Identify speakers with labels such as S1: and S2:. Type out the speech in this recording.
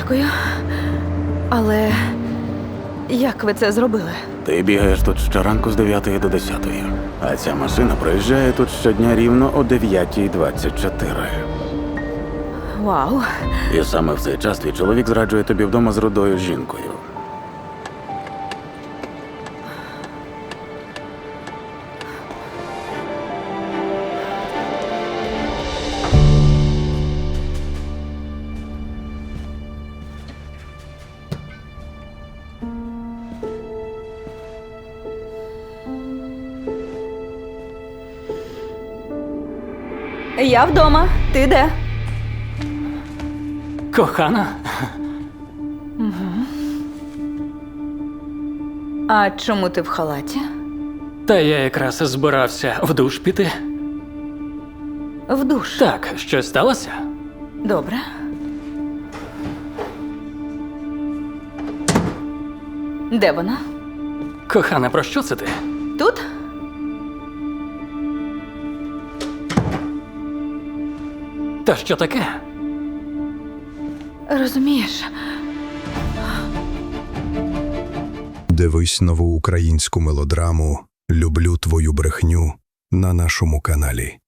S1: Дякую. Але як ви це зробили?
S2: Ти бігаєш тут щоранку з 9 до 10, а ця машина проїжджає тут щодня рівно о 9:24.
S1: Вау.
S2: І саме в цей час твій чоловік зраджує тобі вдома з рудою жінкою.
S1: Я вдома. Ти де?
S3: Кохана?
S1: А чому ти в халаті?
S3: Та я якраз збирався в душ піти.
S1: В душ.
S3: Так, щось сталося?
S1: Добре. Де вона?
S3: Кохана, про що це ти?
S1: Тут?
S3: Та що таке?
S1: Розумієш,
S4: Дивись нову українську мелодраму «Люблю твою брехню» на нашому каналі.